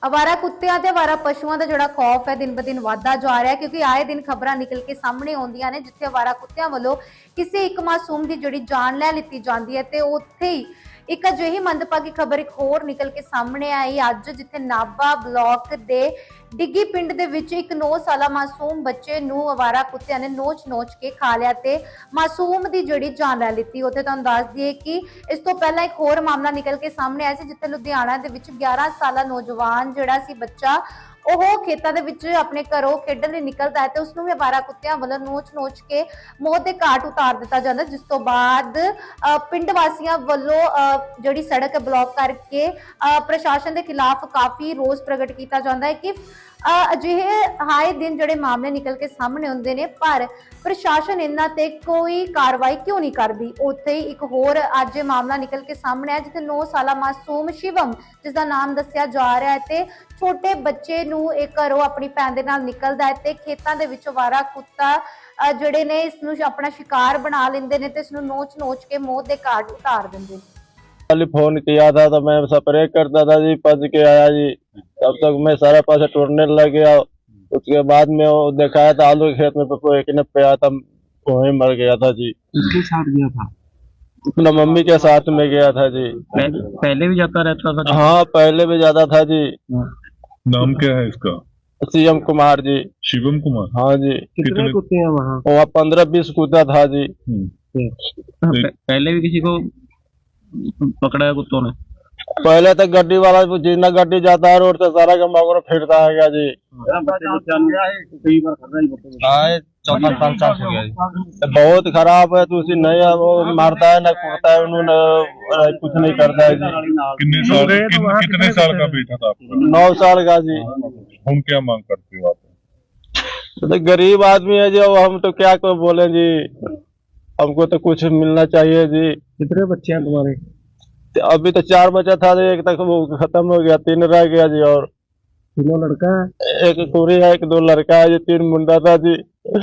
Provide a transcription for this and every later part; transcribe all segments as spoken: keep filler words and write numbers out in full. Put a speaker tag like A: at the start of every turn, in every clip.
A: ਅਵਾਰਾ ਕੁੱਤਿਆਂ ਤੇ ਅਵਾਰਾ ਪਸ਼ੂਆਂ ਦਾ ਜਿਹੜਾ ਖੌਫ ਹੈ ਦਿਨ ਬ ਦਿਨ ਵਧਦਾ ਜਾ ਰਿਹਾ ਹੈ, ਕਿਉਂਕਿ ਆਏ ਦਿਨ ਖਬਰਾਂ ਨਿਕਲ ਕੇ ਸਾਹਮਣੇ ਆਉਂਦੀਆਂ ਨੇ ਜਿੱਥੇ ਅਵਾਰਾ ਕੁੱਤਿਆਂ ਵੱਲੋਂ ਕਿਸੇ ਇੱਕ ਮਾਸੂਮ ਦੀ ਜਿਹੜੀ ਜਾਨ ਲੈ ਲਿੱਤੀ ਜਾਂਦੀ ਹੈ ਤੇ ਉੱਥੇ ਹੀ ਇੱਕ ਅਜਿਹੀ ਮੰਦਭਾਗੀ ਖਬਰ ਇੱਕ ਹੋਰ ਨਿਕਲ ਕੇ ਸਾਹਮਣੇ ਆਈ ਅੱਜ, ਜਿੱਥੇ ਨਾਭਾ ਬਲਾਕ ਦੇ ਡਿੱਗੀ ਪਿੰਡ ਦੇ ਵਿੱਚ ਇੱਕ ਨੌ ਸਾਲਾ ਮਾਸੂਮ ਬੱਚੇ ਨੂੰ ਅਵਾਰਾ ਕੁੱਤਿਆਂ ਨੇ ਨੋਚ-ਨੋਚ ਕੇ ਖਾ ਲਿਆ ਤੇ ਮਾਸੂਮ ਦੀ ਜਿਹੜੀ ਜਾਨ ਲੈ ਲਿੱਤੀ। ਉੱਥੇ ਤੁਹਾਨੂੰ ਦੱਸ ਦਈਏ ਕਿ ਇਸ ਤੋਂ ਪਹਿਲਾਂ ਇੱਕ ਹੋਰ ਮਾਮਲਾ ਨਿਕਲ ਕੇ ਸਾਹਮਣੇ ਆਇਆ ਸੀ, ਜਿੱਥੇ ਲੁਧਿਆਣਾ ਦੇ ਵਿੱਚ ਗਿਆਰਾਂ ਸਾਲਾ ਨੌਜਵਾਨ ਜਿਹੜਾ ਸੀ ਬੱਚਾ, ਉਹ ਖੇਤਾਂ ਦੇ ਵਿੱਚ ਆਪਣੇ ਘਰੋਂ ਖੇਡਣ ਲਈ ਨਿਕਲਦਾ ਹੈ ਤੇ ਉਸ ਨੂੰ ਵੀ ਅਵਾਰਾ ਕੁੱਤਿਆਂ ਵੱਲੋਂ ਨੋਚ-ਨੋਚ ਕੇ ਮੌਤ ਦੇ ਘਾਟ ਉਤਾਰ ਦਿੱਤਾ ਜਾਂਦਾ, ਜਿਸ ਤੋਂ ਬਾਅਦ ਪਿੰਡ ਵਾਸੀਆਂ ਵੱਲੋਂ ਜਿਹੜੀ ਸੜਕ ਬਲੌਕ ਕਰਕੇ ਪ੍ਰਸ਼ਾਸਨ ਦੇ ਖਿਲਾਫ ਕਾਫੀ ਰੋਸ ਪ੍ਰਗਟ ਕੀਤਾ ਜਾਂਦਾ ਹੈ ਕਿ ਅਜਿਹੇ ਹਾਏ ਦਿਨ ਜਿਹੜੇ ਮਾਮਲੇ ਨਿਕਲ ਕੇ ਸਾਹਮਣੇ ਆਉਂਦੇ ਨੇ, ਪਰ ਪ੍ਰਸ਼ਾਸਨ ਇਹਨਾਂ ਤੇ ਕੋਈ ਕਾਰਵਾਈ ਕਿਉਂ ਨਹੀਂ ਕਰਦੀ। ਉੱਥੇ ਹੀ ਇੱਕ ਹੋਰ ਅੱਜ ਮਾਮਲਾ ਨਿਕਲ ਕੇ ਸਾਹਮਣੇ ਆਇਆ, ਜਿੱਥੇ ਨੌ ਸਾਲਾ ਮਾਸੂਮ ਸ਼ਿਵਮ, ਜਿਸ ਦਾ ਨਾਮ ਦੱਸਿਆ ਜਾ ਰਿਹਾ ਹੈ, ਤੇ ਛੋਟੇ ਬੱਚੇ ਨੂੰ ਇਹ ਘਰੋਂ ਆਪਣੀ ਭੈਣ ਦੇ ਨਾਲ ਨਿਕਲਦਾ ਹੈ ਤੇ ਖੇਤਾਂ ਦੇ ਵਿੱਚ ਅਵਾਰਾ ਕੁੱਤਾ ਜਿਹੜੇ ਨੇ ਇਸ ਨੂੰ ਆਪਣਾ शिकार बना लेंदे ने ते इसनु नोच नोच के मौत दे घाट उतार देंदे।
B: कल फोन किया था तो मैं स्प्रे करता था जी, पज के आया जी, तब तक मैं सारा पास टूटने लग गया। उसके बाद में वो दिखाया था आलू के खेत में एक ने पे आया था, वहीं मर गया था जी।
C: किसके साथ गया था?
B: अपना मम्मी के साथ में गया था जी।
C: पहले, पहले भी जाता रहता था?
B: हाँ पहले भी जाता था जी।
D: नाम क्या है इसका?
B: शिवम कुमार जी।
D: शिवम कुमार?
B: हाँ जी।
C: कितने कुत्ते हैं वहाँ?
B: वहाँ पंद्रह बीस कुत्ता था जी।
C: पहले भी किसी को पकड़ा है कुत्तों ने?
B: पहले तो गड्डी वाला जितना गड्डी जाता है रोड से सारा का मगर फिरता है क्या जी।
C: चौथा साल चार हो गया जी।
B: बहुत खराब है, तो उसी नहीं वो मारता है ना कूदता है, उन्होंने कुछ नहीं करता है जी।
D: कितने साल किन, कितने साल का बेटा था आपका?
B: नौ साल का जी।
D: हम क्या मांग करते हो आप?
B: तो गरीब आदमी है जो, हम तो क्या को बोले जी, हमको तो कुछ मिलना चाहिए जी।
C: कितने बच्चे हैं तुम्हारे?
B: अभी तो चार बच्चा था जी, एक तक वो खत्म हो गया, तीन रह गया जी। और
C: तीनों लड़का है?
B: एक कुड़ी है, एक दो लड़का है जी, तीन मुंडा था जी।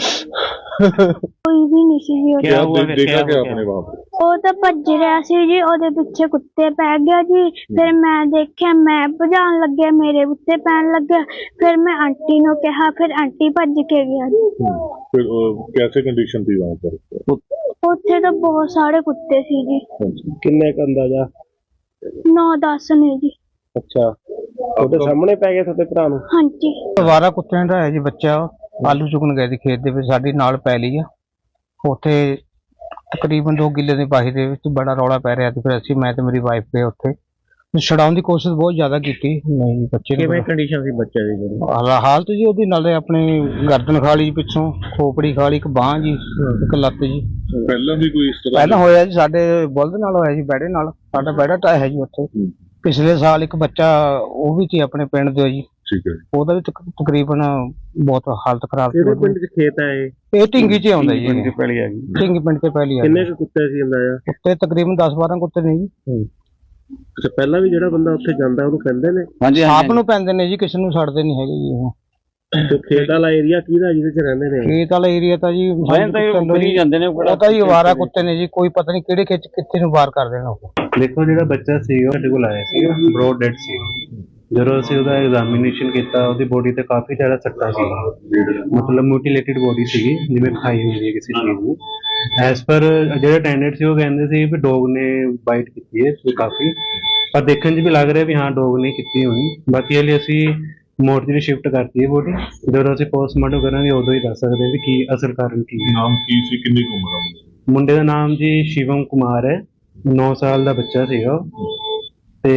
E: कोई भी नहीं सी जी।
D: क्या हुआ? देखा क्या आपने वहाँ पे?
E: ਉਹ ਤਾਂ ਭੱਜ ਰਿਹਾ ਸੀ ਜੀ, ਉਹਦੇ ਪਿੱਛੇ ਕੁੱਤੇ ਪੈ ਗਿਆ ਜੀ। ਫਿਰ ਮੈਂ ਦੇਖਿਆ, ਮੈਂ ਭਜਾਉਣ ਲੱਗਿਆ, ਮੇਰੇ ਉੱਤੇ ਪੈਣ ਲੱਗਿਆ। ਫਿਰ ਮੈਂ ਆਂਟੀ ਨੂੰ ਕਿਹਾ, ਫਿਰ ਆਂਟੀ ਭੱਜ ਕੇ ਗਿਆ ਜੀ।
D: फिर कैसे कंडीशन थी वहाँ पर?
E: ਉੱਥੇ ਤਾਂ ਬਹੁਤ ਸਾਰੇ ਕੁੱਤੇ ਸੀ ਜੀ,
B: किन्ने का अंदाजा?
E: नौ दस ने जी।
B: अच्छा, ਉਹਦੇ ਸਾਹਮਣੇ ਪੈ ਗਿਆ ਤੁਹਾਡੇ ਭਰਾ ਨੂੰ?
E: ਹਾਂਜੀ।
F: ਅਵਾਰਾ ਕੁੱਤਿਆਂ ਦਾ ਹੈ ਜੀ ਬੱਚਾ, ਆਲੂ ਚੁਗਣ ਗਏ ਸੀ ਖੇਤ ਦੇ ਵਿੱਚ, ਸਾਡੀ ਨਾਲ ਪੈ ਲਈ ਆ। ਉੱਥੇ ਤਕਰੀਬਨ ਦੋ ਕਿੱਲੇ ਦੀ ਬਾਹੀ ਦੇ ਵਿੱਚ ਬੜਾ ਰੌਲਾ ਪੈ ਰਿਹਾ ਤੇ ਫਿਰ ਅਸੀਂ, ਮੈਂ ਤੇ ਮੇਰੀ ਵਾਈਫ ਗਏ ਉੱਥੇ, ਛਡਾਉਣ ਦੀ ਕੋਸ਼ਿਸ਼ ਬਹੁਤ ਜ਼ਿਆਦਾ ਕੀਤੀ। ਨਹੀਂ ਬੱਚੇ
C: ਕਿਵੇਂ ਕੰਡੀਸ਼ਨ ਸੀ ਬੱਚੇ ਦੀ ਜਿਹੜੀ?
F: ਹਾਲ- ਹਾਲਤ ਜੀ ਉਹਦੀ ਨਾਲੇ ਆਪਣੀ ਗਰਦਨ ਖਾ ਲਈ ਪਿੱਛੋਂ, ਖੋਪੜੀ ਖਾ ਲਈ, ਇੱਕ ਬਾਂਹ ਜੀ, ਇੱਕ ਲੱਤ ਜੀ।
D: पहला भी कोई इस तरह?
F: ਪਹਿਲਾਂ ਹੋਇਆ ਜੀ ਸਾਡੇ ਬੁਲਦ ਨਾਲ ਹੋਇਆ ਜੀ, ਬੈੜੇ ਨਾਲ। ਸਾਡਾ ਬੈੜਾ ਟਾਇਆ ਹੈ ਜੀ ਉੱਥੇ। ਪਿਛਲੇ ਸਾਲ ਇੱਕ ਬੱਚਾ ਉਹ ਵੀ ਸੀ ਆਪਣੇ ਪਿੰਡ ਦੇ ਜੀ,
D: ठीक है।
F: ਉਹਦਾ ਵੀ ਤਕ- ਤਕਰੀਬਨ ਬਹੁਤ ਹਾਲਤ ਖਰਾਬ ਸੀ।
C: ਕਿਹੜੇ ਪਿੰਡ 'ਚ ਖੇਤ ਹੈ ਇਹ?
F: ਇਹ ਢਿੰਗੀ 'ਚ ਆਉਂਦਾ ਜੀ, ਇਹ
C: ਪਹਿਲੀ ਆ ਗਈ।
F: ਢਿੰਗੀ ਪਿੰਡ ਤੇ ਪਹਿਲੀ ਆ।
C: ਕਿੰਨੇ ਕੁ ਕੁੱਤੇ ਸੀ ਅੰਦਾਜ਼ਾ?
F: ਕੁੱਤੇ ਤਕਰੀਬਨ ਦਸ ਬਾਰਾਂ ਕੁੱਤੇ ਨੇ ਜੀ।
C: ਅੱਛਾ, ਪਹਿਲਾਂ ਵੀ ਜਿਹੜਾ ਬੰਦਾ ਉੱਥੇ ਜਾਂਦਾ ਉਹਨੂੰ ਕਹਿੰਦੇ ਨੇ?
F: ਹਾਂਜੀ, ਆਪ ਨੂੰ ਪੈਂਦੇ ਨੇ ਜੀ, ਕਿਸੇ ਨੂੰ ਛੱਡਦੇ ਨਹੀਂ ਹੈਗੇ ਜੀ। ਉਹ
C: ਤੇ ਖੇਤ ਵਾਲਾ ਏਰੀਆ ਕਿਹਦਾ ਜਿਹਦੇ 'ਚ ਰਹਿੰਦੇ ਨੇ?
F: ਖੇਤ ਵਾਲਾ ਏਰੀਆ ਤਾਂ ਜੀ
C: ਜਾਂਦੇ ਨੇ
F: ਉਹ ਤਾਂ ਜੀ ਅਵਾਰਾ ਕੁੱਤੇ ਨੇ ਜੀ, ਕੋਈ ਪਤਾ ਨਹੀਂ ਕਿਹੜੇ ਖੇਤ 'ਚ ਕਿੱਥੇ ਨੂੰ ਵਾਰ ਕਰ ਦੇਣਾ ਉਹ।
G: ਦੇਖੋ ਜਿਹੜਾ ਬੱਚਾ ਸੀ ਉਹ ਸਾਡੇ ਕੋਲ ਆਇਆ ਸੀ, ਬ੍ਰੋਡ ਡੈਡ ਸੀ। ਜਦੋਂ ਅਸੀਂ ਉਹਦਾ ਐਗਜ਼ਾਮੀਨੇਸ਼ਨ ਕੀਤਾ, ਉਹਦੀ ਬੋਡੀ ਤੇ ਕਾਫੀ ਜ਼ਿਆਦਾ ਸੱਟਾਂ ਸੀ, ਮਤਲਬ ਮਿਊਟੀਲੇਟਿਡ ਬੋਡੀ ਸੀਗੀ, ਜਿਵੇਂ ਖਾਈ ਹੋਈ ਹੈ ਕਿਸੇ ਚੀਜ਼ ਨੂੰ। ਐਸ ਪਰ ਜਿਹੜੇ ਅਟੈਂਡੈਂਟ ਸੀ ਉਹ ਕਹਿੰਦੇ ਸੀ ਵੀ ਡੋਗ ਨੇ ਬਾਈਟ ਕੀਤੀ ਹੈ ਕਾਫੀ, ਪਰ ਦੇਖਣ 'ਚ ਵੀ ਲੱਗ ਰਿਹਾ ਵੀ ਹਾਂ ਡੋਗ ਨੇ ਕੀਤੀ ਹੋਣੀ। ਬਾਕੀ ਹਲੇ ਅਸੀਂ ਮੋਰਚਰੀ ਸ਼ਿਫਟ ਕਰਤੀ ਹੈ ਬੋਡੀ, ਜਦੋਂ ਅਸੀਂ ਪੋਸਟਮਾਰਟਮ ਕਰਾਂਗੇ ਉਦੋਂ ਹੀ ਦੱਸ ਸਕਦੇ ਵੀ ਕੀ ਅਸਲ ਕਾਰਨ ਕੀ ਹੈ।
D: नाम की सी किन्नी की उम्र है?
G: ਮੁੰਡੇ ਦਾ ਨਾਮ ਜੀ ਸ਼ਿਵਮ ਕੁਮਾਰ ਹੈ, ਨੌ ਸਾਲ ਦਾ ਬੱਚਾ ਸੀਗਾ ਉਹ। ਤੇ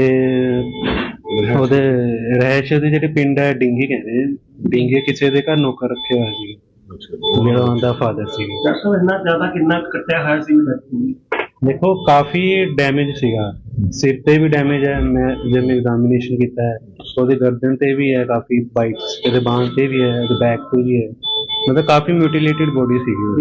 G: ਉਹਦੇ ਰਹਿਸ਼ ਦੇ ਜਿਹੜੇ ਪਿੰਡ ਹੈ ਡਿੰਗੀ ਕਹਿੰਦੇ, ਡਿੰਗੇ ਕਿਸੇ ਦੇ ਘਰ ਨੌਕਰ ਰੱਖਿਆ ਹੋਇਆ ਸੀ, ਜਿਹੜਾ ਉਹਦਾ ਫਾਦਰ ਸੀ।
C: ਦੱਸੋ ਇੰਨਾ ਜ਼ਿਆਦਾ ਕਿੰਨਾ ਕੱਟਿਆ ਹੋਇਆ ਸੀ?
G: ਦੇਖੋ ਕਾਫੀ ਡੈਮੇਜ ਸੀਗਾ, ਸਿਰ ਤੇ ਵੀ ਡੈਮੇਜ ਹੈ, ਮੈਂ ਜਦ ਮੈਂ ਐਗਜ਼ਾਮੀਨੇਸ਼ਨ ਕੀਤਾ ਹੈ ਉਹਦੇ ਗਰਦਨ ਤੇ ਵੀ ਹੈ ਕਾਫੀ ਬਾਈਟਸ, ਇਹਦੇ ਬਾਂਹ ਤੇ ਵੀ ਹੈ, ਇਹਦੇ ਬੈਕ ਤੇ ਵੀ ਹੈ, ਮਤਲਬ ਕਾਫੀ ਮਿਊਟੀਲੇਟਿਡ ਬੋਡੀ ਸੀਗੀ।